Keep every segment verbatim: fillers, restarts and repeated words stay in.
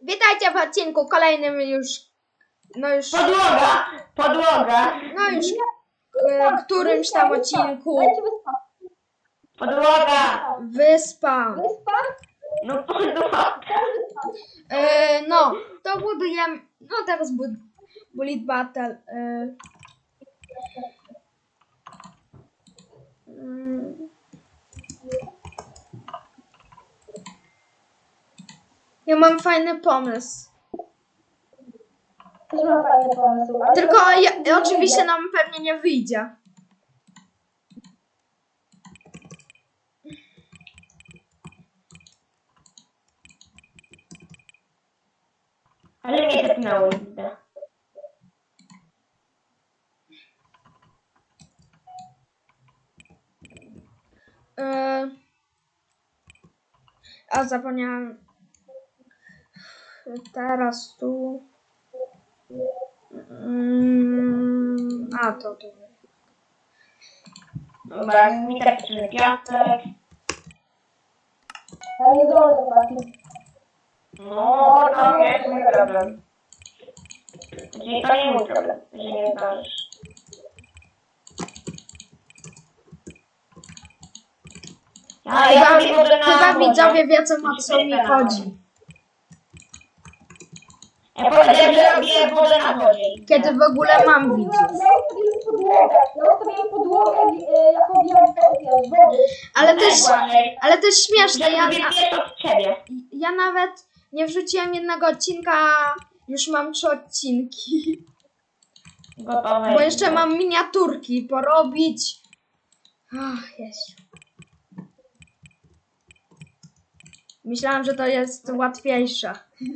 Witajcie w odcinku kolejnym już, no już, Podłoga! Podłoga! no już e, którymś tam odcinku. Podłoga! Wyspa. Wyspa? No podłoga! E, no, to budujemy, no teraz bud Bullet Battle. E, mm. Ja mam fajny pomysł. Też mam fajny pomysł. ale Tylko to- ja, oczywiście nam pewnie nie wyjdzie. Ale mnie tepnęło, widzę. E, a zapomniałam. Teraz tu. Mm, a to to. Dobra, mi tak przyjdzie piasek. Ja nie zdążę, chłopaki. No, to nie jest mój problem. Czyli to nie mój problem, że nie zdążysz. Ja, ja Chyba, robię wodę na chyba wodzie. widzowie wiedzą, o co mi chodzi. Ja powiedziałem, że robię wodę na wodzie. Kiedy w ogóle mam widzów. Ja ustawiłem podłogę. Ja ustawiłem podłogę e, jako wielką z wody. Ale to jest, Błażej, ale to jest śmieszne. Ja, żeby wiesz od ciebie. ja nawet nie wrzuciłem jednego odcinka, już mam trzy odcinki. Gotowe. Bo jeszcze mam miniaturki porobić. Ach, Jezu. Myślałam, że to jest łatwiejsze.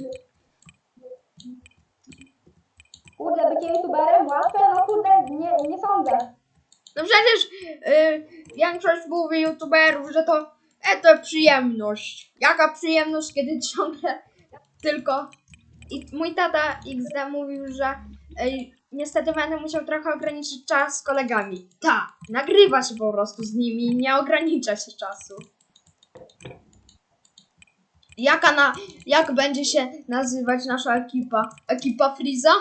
Kurde, bycie youtuberem łatwe? No kurde, nie, nie sądzę. No przecież y, większość mówi youtuberów, że to, e, to przyjemność. Jaka przyjemność, kiedy ciągle tylko... I mój tata X D mówił, że ej, niestety będę musiał trochę ograniczyć czas z kolegami. Tak, nagrywa się po prostu z nimi, nie ogranicza się czasu. Jaka na, jak będzie się nazywać nasza ekipa? Ekipa Freeza?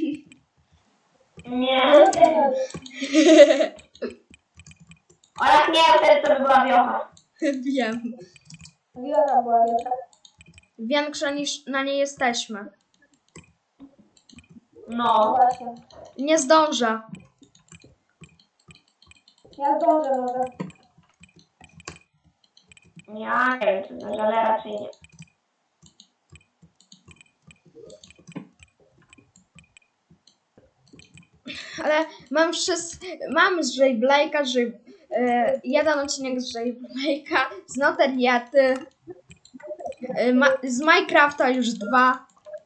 Nie. A jak nie, wtedy to by była wiocha. Wiem. Wielka była wielka. Większa niż na nie jesteśmy. No No. właśnie. Nie zdążę. Ja zdążę może. Ja nie wiem, czy zdążę, ale raczej nie. Ale mam wszystko. Mam z Jay Blake'a, że e, jeden odcinek z Jay Blake'a, z Noteriety, e, ma, z Minecrafta już dwa.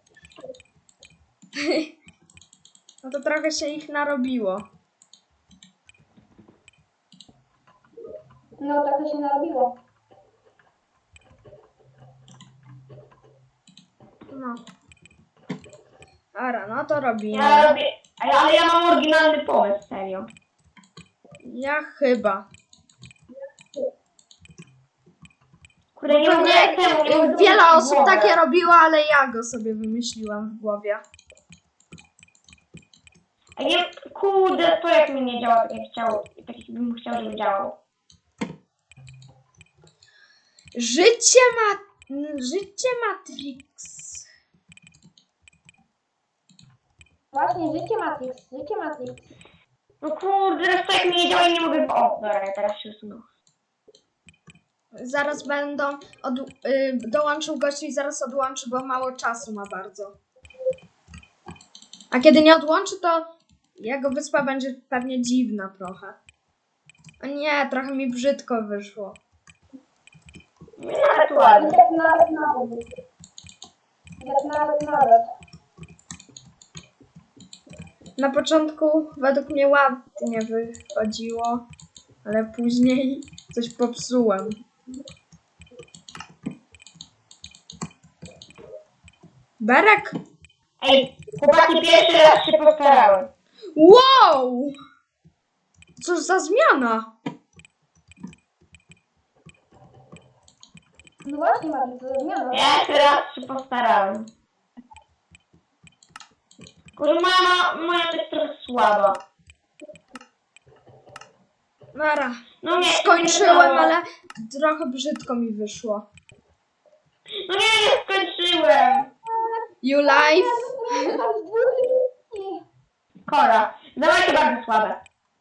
No to trochę się ich narobiło. No tak to się narobiło. No. Ara, no to robimy. Ja robię, ale ale ja mam oryginalny pomysł, serio. Ja chyba. Kurde, nie mogę Nie, temu, nie mogę wiele zrobić osób głowę. takie robiło, ale ja go sobie wymyśliłam w głowie. A nie, kurde, to jak mi nie działa tak jak chciało, tak jak bym chciał, żeby działało. Życie ma... Życie Matrix. Właśnie, życie Matrix, życie Matrix. No kurde, teraz to jak mi nie działa i nie mogę... O, dobra, teraz się usunął. Zaraz będą... Od, y, dołączył gości i zaraz odłączy, bo mało czasu ma bardzo. A kiedy nie odłączy, to jego wyspa będzie pewnie dziwna trochę. O nie, trochę mi brzydko wyszło. Nie, nawet ładnie. Jak nawet nawet. Jak nawet nawet. Na początku według mnie ładnie wychodziło, ale później coś popsułem. Berek? Ej, chłopaki, pierwszy raz się postarałem. Wow! Cóż za zmiana! No właśnie, Matrix, to jest zmiana. Ja jeszcze raz się postarałem. Kurde, moja, ma- moja to jest trochę słaba. Nara. No nie, Skończyłem, nie, ale trochę brzydko mi wyszło. No nie, nie skończyłem. You live? Kora. Dawajcie bardzo słabe.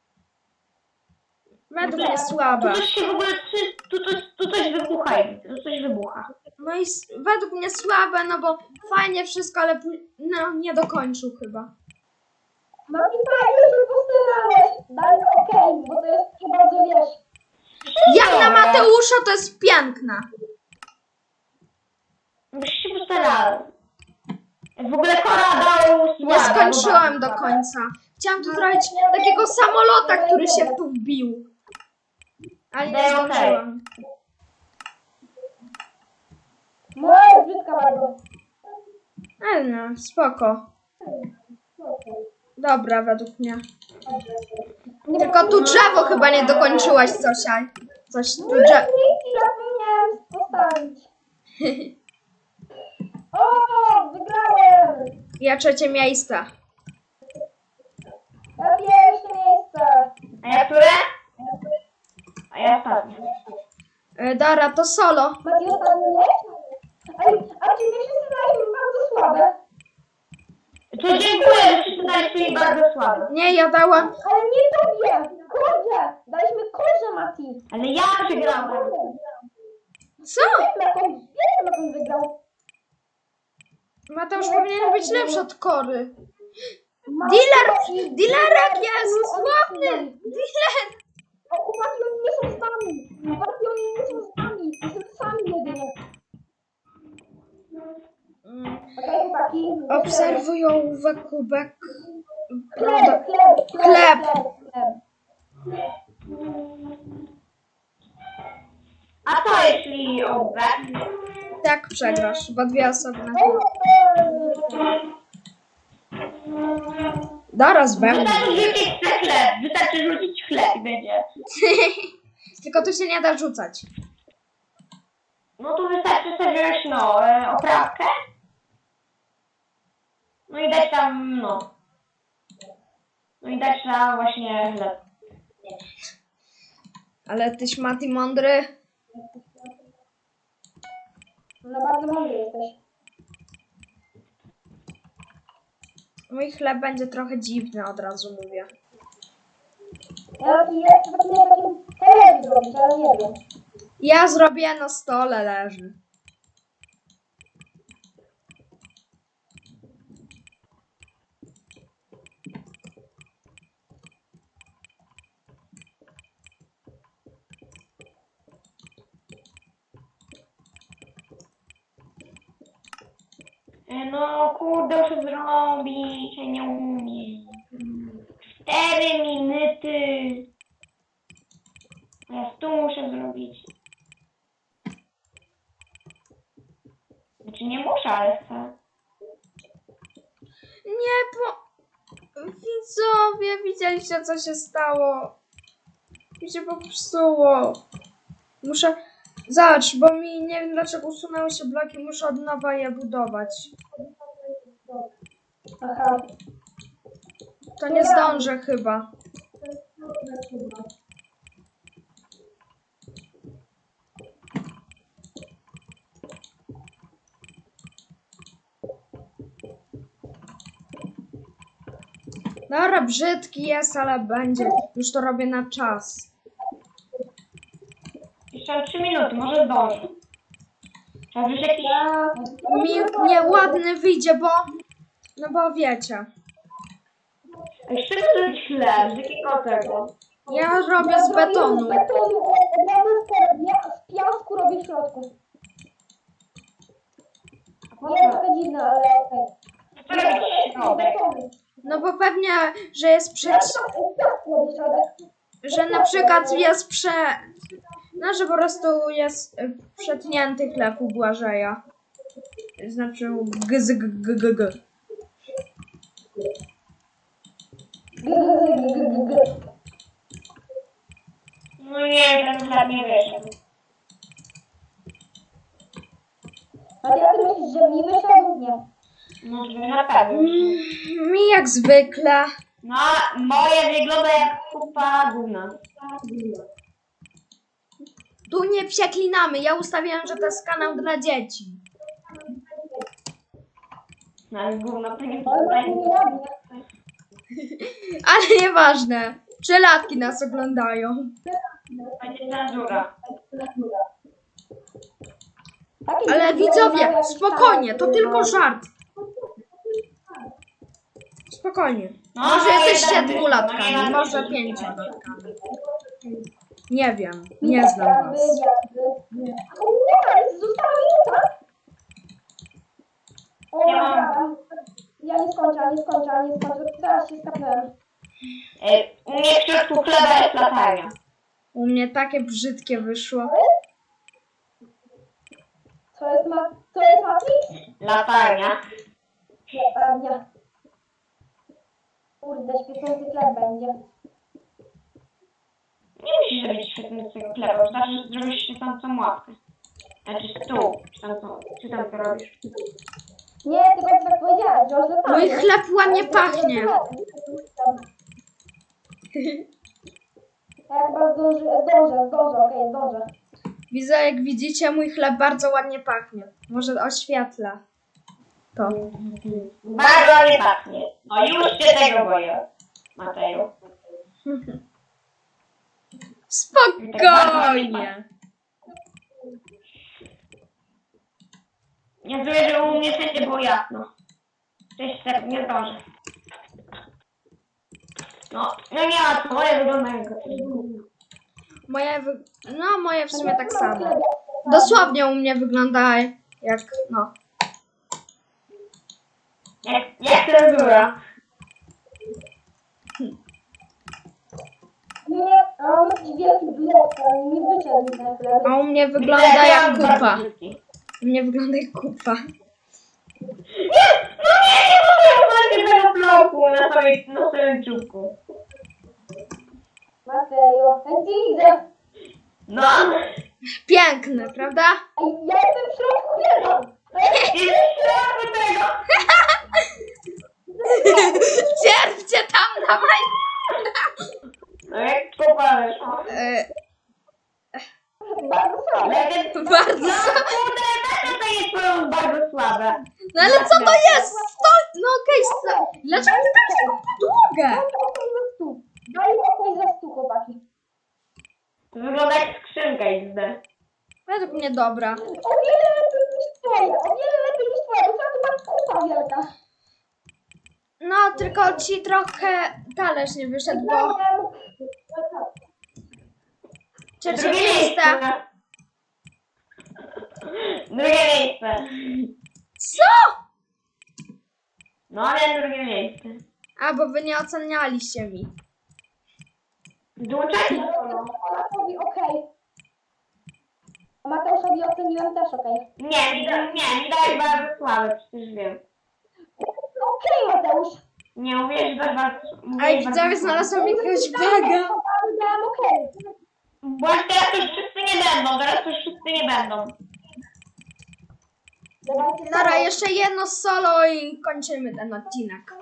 Według mnie Tu słabe. coś się w ogóle, czy- tu coś, tu coś wybucha, tu coś wybucha. No i s- według mnie słabe, no bo fajnie wszystko, ale pó- no, nie dokończył chyba. Mati, fajnie się postarałeś. Daj okej, bo to jest nie bardzo wiesz. Jak na Dobra. Mateusza to jest piękna. Byś się postarał. W ogóle Kora dał Nie słabe, skończyłem bo do bardzo końca. Chciałam tu zrobić takiego samolota, który się tu wbił. Ale nie Daj okej. zdążyłam. Moja jest brzydka bardzo. Ale no, spoko. Dobra, według mnie. Tylko tu drzewo chyba nie dokończyłaś, Zosia. Coś tu drzewo. Niki, zapomniałem postawić. O, wygrałem! Ja trzecie miejsce. Ja pierwsze miejsce. A ja które? A ja ostatnie. E, Dara, to solo. Mati, ostatni miejsce? Ej, a czy my wszyscy daliśmy bardzo słabe? To dziękuję, że wszyscy daliście mi bardzo słabe. Nie, ja dałam. Ale nie tobie! Korze! Daliśmy korze, Mati! Ale ja przegrałem. Co? Na koń, wiem, na koń wygrał. Mateusz powinien być lepszy od Kory. Mati, Dealer! Mati, Dealerek jest! oni Sławny! są- Dealer! O, chłopaki, oni nie są z nami! Chłopaki, oni nie są z nami! Jestem sami jedynie. Mm. Okej, chłopaki. Obserwują kubek. Chleb, chleb, Chleb. chleb, chleb. A co jeśli obrać? Tak przegrasz, bo dwie osoby na Dara z bębnem. Wystarczy rzucić chleb, wystarczy rzucić chleb i będzie. Tylko tu się nie da rzucać. No to wystarczy sobie wziąć, no, e, oprawkę. No i dać tam, no. No i dać tam właśnie chleb. Ale tyś Mati mądry. No bardzo mądry jesteś. Mój chleb będzie trochę dziwny, od razu mówię. Ja taki jest, taki nie takim chleb zrobić, ale nie wiem. Ja zrobię na stole leży. E, No kurde, muszę zrobić, ja nie umiem. Cztery minuty. Ja tu muszę zrobić. Znaczy nie muszę, ale chcę. Nie, bo... Widzowie, widzieliście co się stało? Mi się popsuło. Muszę... Zobacz, bo mi nie wiem dlaczego usunęły się bloki, muszę od nowa je budować. Aha. To nie zdążę chyba. Dobra, brzydki jest, ale będzie. Już to robię na czas. Jeszcze mam trzy minuty, może zdążę. Trzeba wziąć jakiś... Mi nieładny wyjdzie, bo... No bo wiecie. Ej, z czego zrobić chleb? Z jakiego tego? Ja robię z betonu. Z betonu, ja bym z- ja z piasku robię w środku. Nie jest to dziwne, ale okej. Co robić środek? No bo pewnie, że jest przed... Że na przykład jest prze... No, że po prostu jest y, przetnięty chleb u Błażeja. Znaczy g z g g g g. No nie, ten chleb nie wyszedł. A ty jak ty myślisz, że mi wyszedł? Nie. No, na pewno. Mm, Mi jak zwykle. No, moje wygląda jak kupa gówna. Tu nie przeklinamy. Ja ustawiałem, że to jest kanał dla dzieci. No, ale gówno to nie Ale Mati nie ładnie. Ale nieważne. Trzylatki nas oglądają. będzie cenzura. Takie Ale dzieci widzowie, oglądają jakieś spokojnie, to tam, tylko no. żart. Spokojnie. No, Może no, jesteście jeden- no, dwulatkami, jeden- może pięciolatkami. Nie wiem, nie znam was. Nie, została minuta. O, Ja mam- dobra. Ja nie skończę, nie skończę, nie skończę. Teraz się skapnąłem. E, U mnie w środku chleba jest latarnia. U mnie takie brzydkie wyszło. Co jest ma... Co jest Matrix? Latarnia. Pewnie. Kurde, świecący chleb będzie. Nie musisz robić świetnego chleba, wystarczy, że zrobisz świecącą ławkę. Znaczy stół, czy tam, co, czy tam to robisz. Nie, tylko tak powiedziałeś, że źle Mój chleb ładnie pachnie. Ja chyba zdążę, zdążę, zdążę, okej, zdążę. Widzę, jak widzicie, mój chleb bardzo ładnie pachnie. Może oświetlę to. Bardzo nie pachnie. No już się tego boję, Mateju. Spokojnie. Nie czuję, że u mnie wszędzie było jasno. Cześć, tak nie zdążę. No, no nie ma co, moje wyglądają jak Moje wy... No, moje w sumie tak samo. Dosłownie u mnie wygląda jak, no. Jak, jak cenzura. Nie, a on jakiś wielki blok, ale nie wyszedł mi ten chleb. A u mnie wygląda jak kupa. U mnie wygląda jak kupa. Nie! No nie, nie mogę uważać tego bloku na swoim, na swoim czubku. Matejo, ja cię widzę. No! Piękne, prawda? Ej, ja jestem w środku chleba. I środku tego! Cierpcie tam na maj... No jak kupa weszła. E, Bardzo słabe. Ale ten... bardzo... No kurde, dlaczego to jest twoją bardzo słabe? No ale co to jest? Sto... No okej, sto... Dlaczego ty dałeś taką podłogę? Daj mi okej za stół. Daj mi okej za stół, chłopaki. To wygląda jak skrzynka X D. Według mnie dobra. O wiele lepiej niż twoje, o wiele lepiej niż twoje, bo tu mam kupa wielka. No, tylko ci trochę talerz nie wyszedł, bo... Dałem... Trzecie Drugie miejsce. Drugie miejsce. Co? No ale drugie miejsce. A, bo wy nie ocenialiście mi. Dołączajcie do solo. Olafowi okej. A Mateuszowi oceniłem też okej. Nie, mi da, nie, mi dałeś bardzo słabe, przecież wiem. Okej, Mateusz. Nie, mówię, że dasz bardzo... Ej, widzowie, znalazłam jakiegoś baga. Ale dałem okej. Właśnie teraz już wszyscy nie będą, teraz już wszyscy nie będą. Dawajcie Dobra, solo. jeszcze jedno solo i kończymy ten odcinek.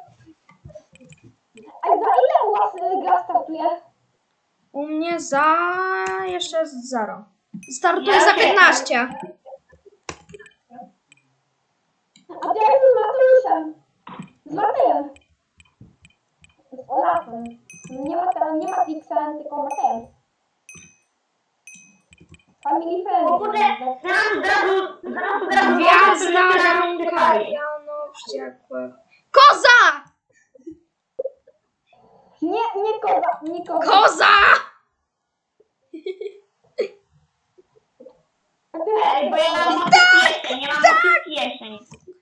A za ile u was y, gra startuje? U mnie za... jeszcze zero. Startuje Ja za wiem. piętnaście. A to jak z Mateuszem? Z Matejem. Z Olafem. Nie ma tam, nie ma Fixem, tylko Matejem. Family O kurde, friendly. zaraz od razu, zaraz od razu... Gwiazda rąka Jano wściekłe. Koza! Nie, nie koza, nie koza. Koza! Ej, bo ja mam motyw jesień, ja mam motyw jesień.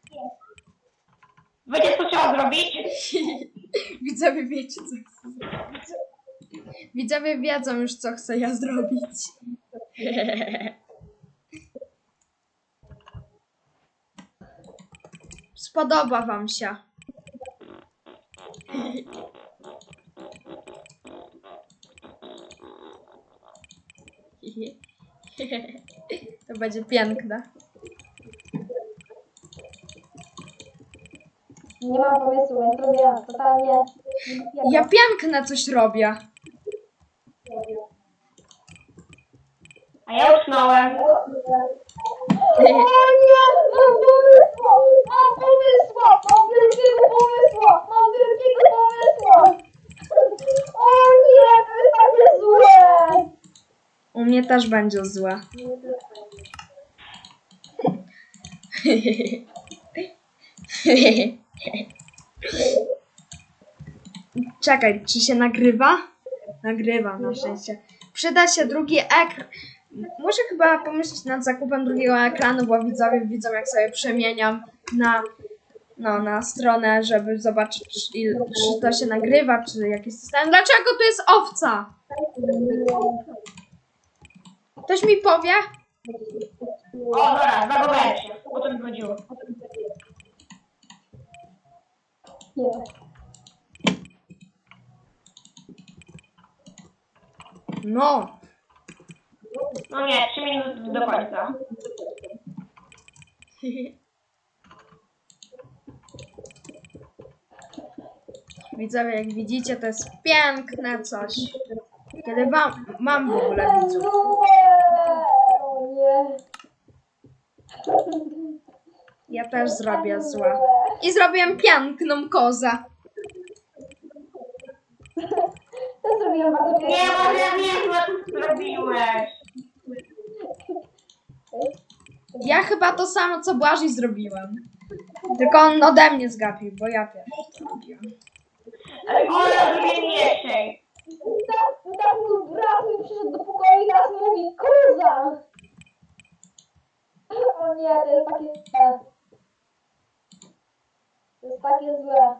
Wiecie, co trzeba zrobić? Widzowie wiecie, co chcę zrobić. Widzowie wiedzą już, co chcę ja zrobić. Spodoba wam się. To będzie piękne. Nie mam pomysłu, więc robię totalnie... Ja piękne coś robię. A ja usnąłem. O nie! Mam pomysł! Mam pomysł! Mam wielkiego pomysłu! Mam wielkiego pomysłu! O nie! To jest takie złe! U mnie też będzie złe. Czekaj, czy się nagrywa? Nagrywa, na szczęście. Przyda się drugi ekran. Muszę chyba pomyśleć nad zakupem drugiego ekranu, bo widzowie widzą, jak sobie przemieniam na, no, na stronę, żeby zobaczyć, czy, il, czy to się nagrywa, czy jakieś system. Dlaczego tu jest owca? Ktoś mi powie? O, dobra, zagowałem się. O to mi chodziło. Nie. No. No nie, trzy minuty do końca. Widzowie, jak widzicie, to jest piękne coś. Kiedy wam, mam w ogóle widzów. O nie. Ja też zrobię złe. I zrobiłem piękną kozę. To zrobiłam bardzo Nie, bo ja wiem, co ty zrobiłeś. Ja chyba to samo, co Błażej zrobiłem. Tylko on ode mnie zgapił, bo ja pierwszy to robiłem. Ale ona zrobię mniejszej. Tak, tak mój brat mi przyszedł do pokoju i teraz mówi koza. O nie, to jest takie złe. To jest takie złe.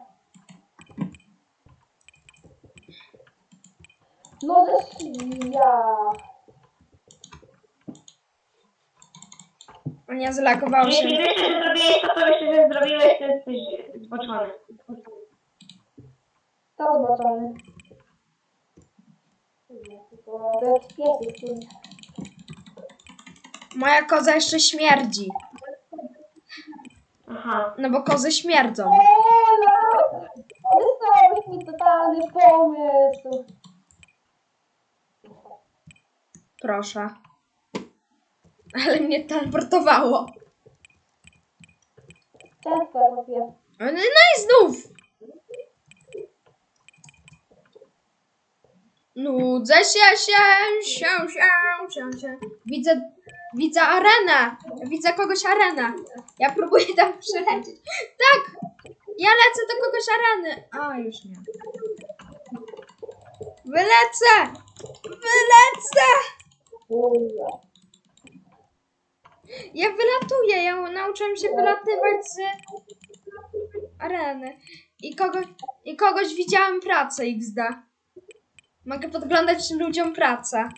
No ze świnia. O nie, zlakował się. Jeśli wiesz, że zrobiłeś to, co myślisz, że zrobiłeś, to jesteś zboczony. To zobaczony. To jest pies. Moja koza jeszcze śmierdzi. Aha. No bo kozy śmierdzą. Ola! Wysłałeś mi totalny pomysł. Proszę. Ale mnie teleportowało. Często robię. No i znów. Nudzę się, się, się, się, się, się. Widzę, widzę arenę. Widzę kogoś arenę. Ja próbuję tam przylecieć. Tak! Ja lecę do kogoś areny. A, już nie. Wylecę! Wylecę! Ja wylatuję. Ja nauczyłem się wylatywać z areny. I kogoś, i kogoś widziałem pracę iks de. Mogę podglądać ludziom pracę.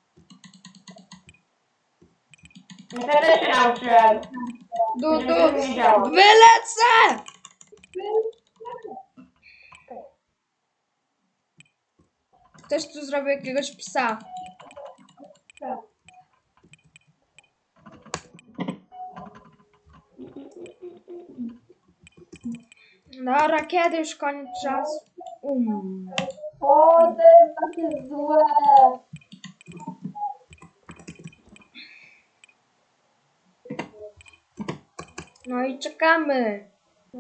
Ja też się nauczyłem. Du, Żeby du. to nie działo. Wylecę! Ktoś tu zrobił jakiegoś psa. Dobra, kiedy już koniec czasu? Um. O, to jest takie złe. No i czekamy.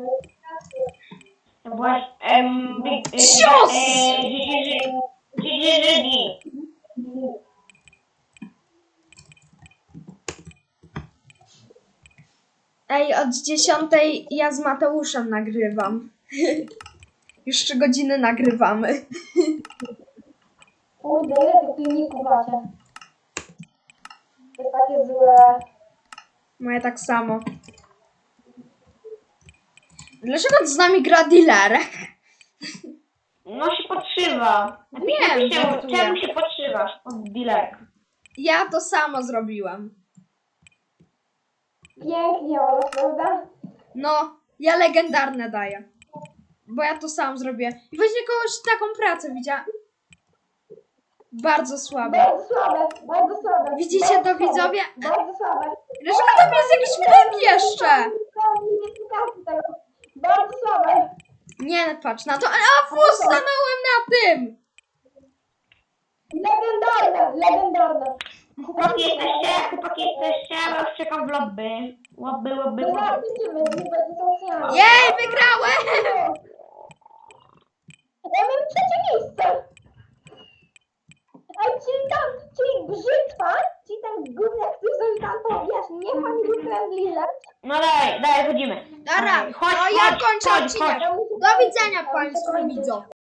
To byłaś... Em, big... e, Cios! e, Dzidzi-dzidzi. Ej, od dziesiątej ja z Mateuszem nagrywam. Już trzy godziny nagrywamy. Kurde, ile tych filmików macie? To jest takie złe. Moje tak samo. Dlaczego z nami gra dealerek? No się podszywa. Nie, Czemu, żartuję. czemu się podszywasz od dealerek? Ja to samo zrobiłem. Pięknie, Ola, prawda? No, ja legendarne daję. Bo ja to sam zrobię. I właśnie kogoś taką pracę widziałam. Bardzo słabe. Bardzo słabe, bardzo słabe. Widzicie bardzo to, słabe, widzowie? Bardzo Dlaczego tam jest jakiś bug jeszcze? Bardzo słabe. Nie patrz na to. A fu, stanąłem na tym! Legendarne, legendarne. Chłopaki jesteście? Chłopaki jesteście? Bo już czekam w lobby. Lobby, lobby, No lobby. zaraz idziemy, nie będzie to oceanu. Jej, wygrałem! Ja mam trzecie miejsce. Ej, czyli tam, czyli brzytwa, czyli ten gówniak, który zrobił tam to, wiesz, nie family friendly rzecz. No daj, daj, chodzimy. Dobra, Chodź, no ja chodź, kończę chodź, odcinek. chodź. Ja muszę Do widzenia ja muszę Państwu kończyć. widzowie.